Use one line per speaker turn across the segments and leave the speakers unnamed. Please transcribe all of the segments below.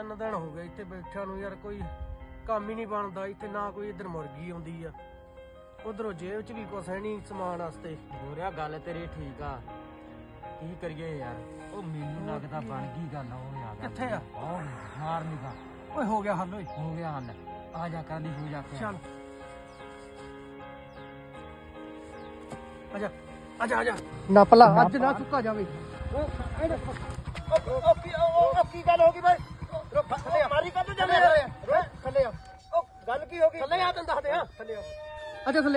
3 दिन हो गए इत्थे बैठा नूं यार, कोई काम ही नहीं बनता इत्थे, ना कोई इधर मुर्गी आउंदी आ, उधरों जेब च भी कुछ है नहीं समान वास्ते।
गोरिया गल तेरी ठीक आ, की करिए यार। ओ मैनू लगदा बन गई गल। ओ यार
कित्थे आ?
मार निगा।
ओए हो गया हल, ओए
हो गया हल। आ जा कर दी हो जा के।
चल आजा आजा आजा, नप ला अज ना चुका जावे। की गल होगी भाई? मारी कद जाने थले आ, गल की होगी? थले आ तैਨੂੰ ਦੱਸਦੇ ਆ, ਥੱਲੇ ਆ। ਅੱਛਾ ਥੱਲੇ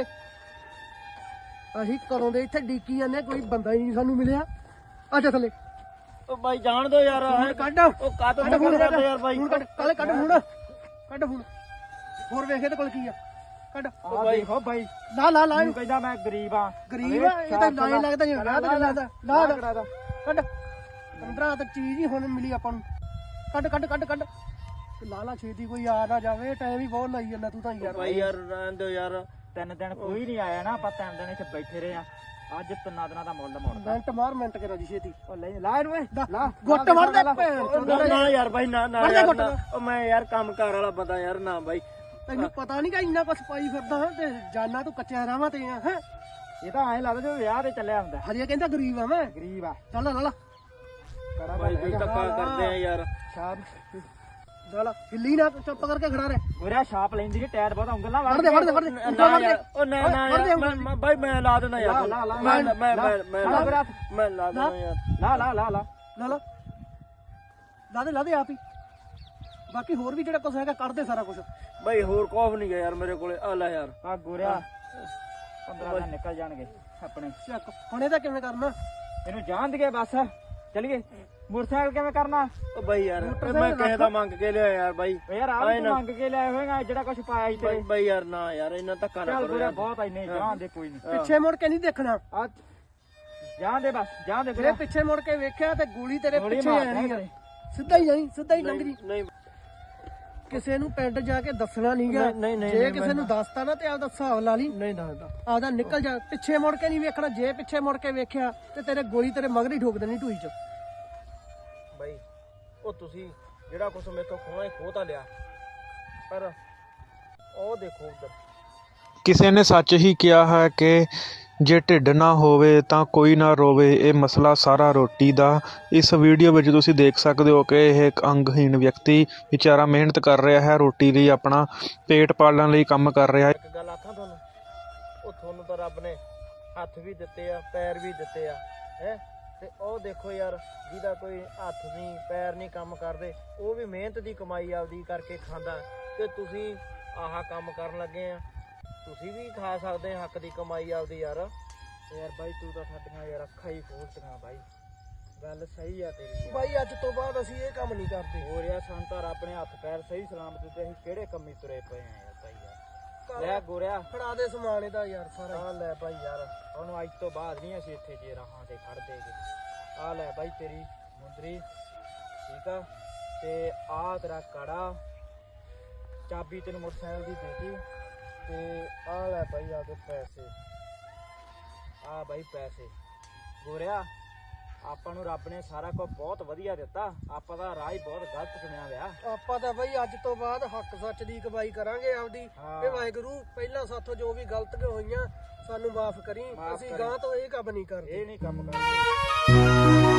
ਅਸੀਂ ਕਦੋਂ ਦੇ ਇੱਥੇ ਡੀਕੀ ਜਾਂਦੇ, ਕੋਈ ਬੰਦਾ ਹੀ ਨਹੀਂ ਸਾਨੂੰ ਮਿਲਿਆ। ਅੱਛਾ ਥੱਲੇ।
ओ भाई जान दो यार।
ਹੁਣ ਕੱਢ,
ओ का तो
ਫੋਨ
करते यार भाई।
ਹੁਣ ਕੱਢ, ਕਾਲੇ ਕੱਢ ਫੋਨ, ਕੱਢ ਫੋਨ। ਹੋਰ ਵੇਖ ਇਹਦੇ ਕੋਲ ਕੀ ਆ, ਕੱਢ।
ओ भाई हो भाई
ਲਾ ਲਾ ਲਾ,
ਤੂੰ ਕਹਿੰਦਾ ਮੈਂ ਗਰੀਬ ਆ।
ਗਰੀਬ ਆ ਇਹ ਤਾਂ ਨਾ ਲੱਗਦਾ ਜਿਵੇਂ ਵਿਆਹ ਤੇ ਲੱਗਦਾ। ਲਾ ਕੱਢ, 15 ਤੱਕ ਚੀਜ਼ ਹੀ ਹੁਣ ਮਿਲੀ ਆਪਾਂ ਨੂੰ। ਕੱਢ ਕੱਢ ਕੱਢ ਕੱਢ, ਲਾ ਲਾ ਛੇਤੀ, ਕੋਈ ਆ ਨਾ ਜਾਵੇ, ਟਾਈਮ ਹੀ ਬਹੁਤ ਲਾਈ ਜਾਂਦਾ ਤੂੰ ਤਾਂ ਯਾਰ।
भाई यार रहन दो यार, 3 दिन कोई नहीं आया ना, ਆਪਾਂ 3 ਦਿਨ ਇੱਥੇ ਬੈਠੇ ਰਹੇ ਆ। ਅੱਜ 3 ਦਿਨਾਂ ਦਾ ਮੁੱਲ ਮੋੜਦਾ।
ਮਿੰਟ ਮਾਰ, ਮਿੰਟ ਕਰਾ ਜੀ ਛੇਤੀ।
ਉਹ ਲੈ ਲਾ ਇਹਨੂੰ ਲਾ
ਗੁੱਟ ਮਾਰ ਦੇ
ਨਾ ਯਾਰ ਭਾਈ, ਨਾ ਨਾ ਉਹ ਮੈਂ ਯਾਰ ਕੰਮ ਕਾਰ ਵਾਲਾ ਬੰਦਾ ਯਾਰ, ਨਾ ਭਾਈ।
ਤੈਨੂੰ ਪਤਾ ਨਹੀਂ ਕਿ ਇੰਨਾ ਕੁਛ ਪਾਈ ਫਿਰਦਾ ਹਾਂ ਤੇ ਜਾਨਾ ਤੂੰ ਕੱਚਿਆਂ ਰਾਵਾਂ ਤੇ ਆ। ਹੈ
ਇਹ ਤਾਂ ਐਂ ਲੱਗਦਾ ਜਿਵੇਂ ਵਿਆਹ ਤੇ ਚੱਲਿਆ ਹੁੰਦਾ।
ਹਜੇ ਕਹਿੰਦਾ ਗਰੀਬ ਆ ਮੈਂ।
ਗਰੀਬ ਆ
ਚੱਲ ਲਾ ਲਾ
ਭਾਈ, ਕੋਈ ਧੱਕਾ ਕਰਦੇ ਆ ਯਾਰ।
ਸ਼ਾਬ ਲਾ ਹਿੱਲੀ ਨਾ, ਚੁੱਪ ਕਰਕੇ ਖੜਾ ਰਹਿ।
ਗੋਰਿਆ ਛਾਪ ਲੈਂਦੀ ਨਹੀਂ, ਟਾਇਰ ਬਹੁਤ ਉਂਗਲ ਨਾ
ਵੜ ਦੇ ਵੜ ਦੇ ਵੜ ਦੇ।
ਉਹ ਨਾ ਨਾ ਭਾਈ ਮੈਂ ਲਾ ਦੇਣਾ ਯਾਰ। ਮੈਂ ਲਾ ਦੇਣਾ ਯਾਰ। ਲਾ ਲਾ ਲਾ ਲਾ
ਲਾ ਲਾ ਲਾ ਦੇ ਲਾ ਦੇ ਆਪ ਹੀ। ਬਾਕੀ ਹੋਰ ਵੀ ਜਿਹੜਾ ਕੁਛ ਹੈਗਾ ਕੱਢ ਦੇ ਸਾਰਾ ਕੁਛ।
ਭਾਈ ਹੋਰ ਕੋਫ ਨਹੀਂ ਗਿਆ ਯਾਰ ਮੇਰੇ ਕੋਲੇ। ਆ ਲੈ ਯਾਰ ਆ ਗੋਰਿਆ 15 ਦਿਨ ਨਿਕਲ ਜਾਣਗੇ ਆਪਣੇ।
ਚੱਕ ਹੁਣ ਇਹਦਾ ਕਿਵੇਂ ਕਰਨਾ?
ਇਹਨੂੰ ਜਾਣ ਦੇ ਬਸ, ਚਲੀਏ। ਮੋਟਰਸਾਈਕਲ ਕਿਵੇਂ ਕਰਨਾ? ਉਹ ਬਾਈ ਯਾਰ
ਮੈਂ
ਕਿਸੇ ਦਾ ਮੰਗ ਕੇ ਲਿਆ ਯਾਰ ਬਾਈ। ਯਾਰ ਆ ਵੀ ਮੰਗ ਕੇ ਲਿਆਏ ਹੋਏਗਾ ਜਿਹੜਾ ਕੁਝ ਪਾਇਆ ਸੀ ਤੇਰੇ। ਬਾਈ ਯਾਰ ਨਾ ਯਾਰ, ਇਹਨਾਂ ਧੱਕਾ ਨਾ ਕਰੋ ਯਾਰ। ਬਹੁਤ ਇੰਨੇ ਜਾਣ ਦੇ, ਕੋਈ ਨਹੀਂ।
ਪਿੱਛੇ ਮੁੜ ਕੇ ਨਹੀਂ ਦੇਖਣਾ,
ਆ ਜਾਣ ਦੇ ਬਸ, ਜਾਣ ਦੇ।
ਜੇ ਪਿੱਛੇ ਮੁੜ ਕੇ ਵੇਖਿਆ ਤੇ ਗੋਲੀ ਤੇਰੇ ਪਿੱਛੇ ਆਣੀ ਆ। ਸਿੱਧਾ ਹੀ ਜਾਈ, ਸਿੱਧਾ ਹੀ ਲੰਘ ਜੀ।
ਨਹੀਂ
ਕਿਸੇ ਨੂੰ ਪਿੰਡ ਜਾ ਕੇ ਦੱਸਣਾ ਨਹੀਂਗਾ। ਜੇ ਕਿਸੇ ਨੂੰ ਦੱਸਤਾ ਨਾ ਤੇ ਆਪਦਾ ਹਿਸਾਬ ਲਾ ਲਈ। ਨਹੀਂ ਦੱਸਦਾ, ਆਪਦਾ ਨਿਕਲ ਜਾ। ਪਿੱਛੇ ਮੁੜ ਕੇ ਨਹੀਂ ਵੇਖਣਾ, ਜੇ ਪਿੱਛੇ ਮੁੜ ਕੇ ਵੇਖਿਆ ਤੇ ਤੇਰੇ ਗੋਲੀ ਤੇਰੇ ਮਗਰ ਹੀ ਠੋਕ ਦੇਣੀ ਢੂਈ ਚ।
ਬਾਈ ਉਹ ਤੁਸੀਂ ਜਿਹੜਾ ਕੁਛ ਮੇਥੋਂ ਖੋਣਾ ਖੋਹ ਤਾਂ ਲਿਆ, ਪਰ ਉਹ ਦੇਖੋ ਉਧਰ
ਕਿਸੇ ਨੇ ਸੱਚ ਹੀ ਕਿਹਾ ਹੈ ਕਿ ਜੇ ਢਿੱਡ ਨਾ ਹੋਵੇ ਤਾਂ ਕੋਈ ਨਾ ਰੋਵੇ। ਇਹ ਮਸਲਾ ਸਾਰਾ ਰੋਟੀ ਦਾ। ਇਸ ਵੀਡੀਓ ਵਿੱਚ ਤੁਸੀਂ ਦੇਖ ਸਕਦੇ ਹੋ ਕਿ ਇਹ ਇੱਕ ਅੰਗਹੀਣ ਵਿਅਕਤੀ ਵਿਚਾਰਾ ਮਿਹਨਤ ਕਰ ਰਿਹਾ ਹੈ, ਰੋਟੀ ਲਈ ਆਪਣਾ ਪੇਟ ਪਾਲਣ ਲਈ ਕੰਮ ਕਰ ਰਿਹਾ ਹੈ।
ਇੱਕ ਗੱਲ ਆਖਾਂ ਤੁਹਾਨੂੰ, ਉਹ ਤੁਹਾਨੂੰ ਤਾਂ ਰੱਬ ਨੇ ਹੱਥ ਵੀ ਦਿੱਤੇ ਆ, ਪੈਰ ਵੀ ਦਿੱਤੇ ਆ, ਹੈ ਤੇ ਉਹ ਦੇਖੋ ਯਾਰ, ਜਿਹਦਾ ਕੋਈ ਹੱਥ ਨਹੀਂ ਪੈਰ ਨਹੀਂ ਕੰਮ ਕਰਦੇ, ਉਹ ਵੀ ਮਿਹਨਤ ਦੀ ਕਮਾਈ ਆਪਦੀ ਕਰਕੇ ਖਾਂਦਾ, ਤੇ ਤੁਸੀਂ ਆਹ ਕੰਮ ਕਰਨ ਲੱਗੇ ਆ। ਤੁਸੀਂ ਵੀ ਖਾ ਸਕਦੇ ਆ ਹੱਕ ਦੀ ਕਮਾਈ ਆਪਦੀ ਯਾਰ। ਯਾਰ ਬਾਈ ਤੂੰ ਤਾਂ ਸਾਡੀਆਂ ਯਾਰ ਅੱਖਾਂ ਹੀ ਖੋਲਤੀਆਂ ਬਾਈ। ਗੱਲ ਸਹੀ ਆ ਤੇਰੀ
ਬਾਈ, ਅੱਜ ਤੋਂ ਬਾਅਦ ਅਸੀਂ ਇਹ ਕੰਮ ਨਹੀਂ ਕਰਦੇ।
ਹੋਰ ਯਾਰ ਸਾਨੂੰ ਤਾਂ ਰੱਬ ਨੇ ਹੱਥ ਪੈਰ ਸਹੀ ਸਲਾਮਤ ਦਿੱਤੇ, ਅਸੀਂ ਕਿਹੜੇ ਕੰਮੀ ਤੁਰੇ ਪਏ ਆ ਯਾਰ ਬਾਈ ਯਾਰ। ਲੈ ਗੋਰਿਆ
ਫੜਾ ਦੇ ਸਮਾਨ ਇਹਦਾ ਯਾਰ ਸਾਰਾ।
ਆ ਲੈ ਬਾਈ ਯਾਰ, ਉਹਨੂੰ ਅੱਜ ਤੋਂ ਬਾਅਦ ਨਹੀਂ ਅਸੀਂ ਇੱਥੇ ਜੇ ਰਾਹਾਂ ਤੇ ਖੜ ਦੇਗੇ। ਆ ਲੈ ਬਾਈ ਤੇਰੀ ਮੁੰਦਰੀ, ਠੀਕ ਆ, ਤੇ ਆ ਤੇਰਾ ਕੜਾ, ਚਾਬੀ ਤੈਨੂੰ ਮੋਟਰਸਾਈਕਲ ਦੀ ਦੇਤੀ, ਤੇ ਆ ਲੈ ਬਾਈ ਆ ਦੇ ਪੈਸੇ। ਆ ਬਾਈ ਪੈਸੇ। ਗੋਰਿਆ ਆਪਾਂ ਨੂੰ ਰੱਬ ਨੇ ਸਾਰਾ ਕੁਝ ਬਹੁਤ ਵਧੀਆ ਦਿੱਤਾ, ਆਪਾਂ ਦਾ ਰਾਹ ਹੀ ਬਹੁਤ ਗਲਤ ਚੁਣਿਆ ਵਿਆ।
ਆਪਾਂ ਤਾਂ ਬਈ ਅੱਜ ਤੋਂ ਬਾਅਦ ਹੱਕ ਸੱਚ ਦੀ ਕਮਾਈ ਕਰਾਂਗੇ ਆਪਦੀ। ਤੇ ਵਾਹਿਗੁਰੂ ਪਹਿਲਾਂ ਸਾਥੋਂ ਜੋ ਵੀ ਗਲਤੀਆਂ ਹੋਈਆਂ ਸਾਨੂੰ ਮਾਫ ਕਰੀ। ਅਸੀਂ ਗਾਂ ਤੋਂ ਇਹ ਕੰਮ ਨਹੀਂ ਕਰਦੇ।
ਇਹ ਨਹੀਂ ਕੰਮ ਕਰਦੇ।